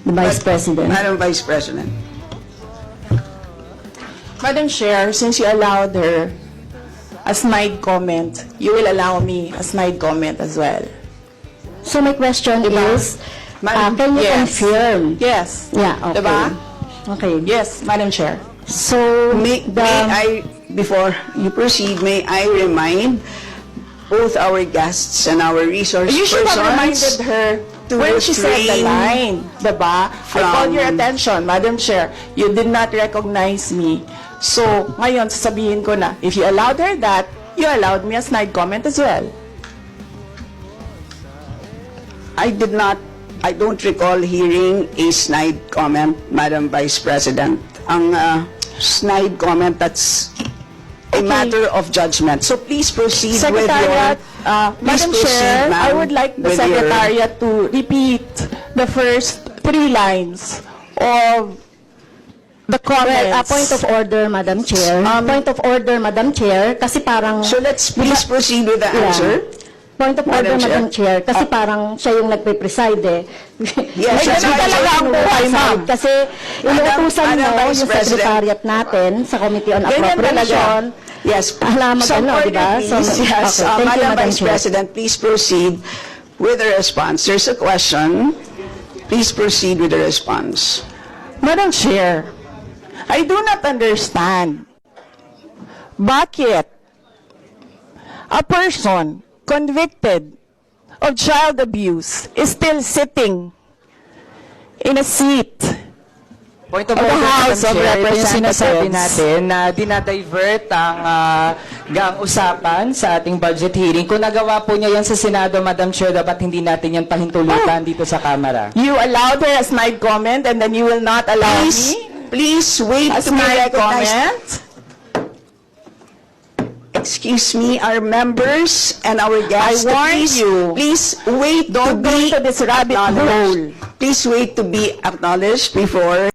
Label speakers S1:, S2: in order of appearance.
S1: the Vice President.
S2: Madam Vice President.
S3: Madam Chair, since you allowed her a snide comment, you will allow me a snide comment as well.
S1: So my question is,
S2: Madam-
S1: can you
S3: Yes.
S1: confirm?
S3: Yes.
S1: Yeah, okay.
S3: Diba?
S1: Okay.
S3: Yes, Madam Chair.
S1: So,
S2: May I, before you proceed, may I remind both our guests and our resource
S3: You should have reminded
S2: persons
S3: her
S2: to
S3: when she said the
S2: refrain
S3: line, diba? I called your
S2: from-
S3: attention, Madam Chair. You did not recognize me. So, ngayon, sasabihin ko na, if you allowed her that, you allowed me a snide comment as well.
S2: I don't recall hearing a snide comment, Madam Vice President. Ang snide comment, that's a matter of judgment. So please proceed
S3: Secretariat,
S2: please
S3: Madam
S2: proceed,
S3: Chair,
S2: ma'am,
S3: I would like the
S2: with your-
S3: Secretariat to repeat the first 3 lines of the comments.
S1: well, point of order, Madam Chair. Point of order, Madam Chair, kasi parang...
S2: So let's please proceed with the
S1: Yeah.
S2: answer.
S1: Point of order,
S2: Madam Chair.
S1: Madam Chair, kasi parang siya yung nagpe-preside eh.
S2: Yes,
S3: Ay,
S2: that's
S3: ganun
S2: why
S3: talaga ang buhay, ma'am.
S1: Kasi inuutusan
S2: Madam
S1: mo
S2: Vice
S1: yung
S2: President.
S1: Secretariat natin sa Committee on
S3: Ganyan
S1: Appropriation.
S2: Yes.
S1: Alam mo
S2: Some
S1: ano,
S2: order,
S1: di ba?
S2: please.
S1: So,
S2: Yes.
S1: okay, thank you,
S2: Madam
S1: Madam
S2: Vice
S1: Chair.
S2: President, please proceed with the response. There's a question. Please proceed with the response.
S3: Madam Chair, I do not understand bakit a person convicted of child abuse is still sitting in a seat
S4: Point of
S3: of the
S4: order,
S3: House
S4: Madam
S3: of
S4: Chair, ito yung sinasabi
S3: Representatives.
S4: natin na dinadivert ang usapan sa ating budget hearing. Kung nagawa po niya yan sa Senado, Madam Chair, dapat hindi natin yan pahintulutan dito sa Kamara.
S3: You allowed her a snide comment and then you will not allow
S2: Please
S3: me
S2: wait
S3: a
S2: to be
S3: snide
S2: recognized.
S3: comment?
S2: Excuse me, our members and our guests.
S3: I warn
S2: please,
S3: you.
S2: Please wait
S3: Don't
S2: to
S3: go
S2: be
S3: into this rabbit hole.
S2: acknowledged. Please wait to be acknowledged before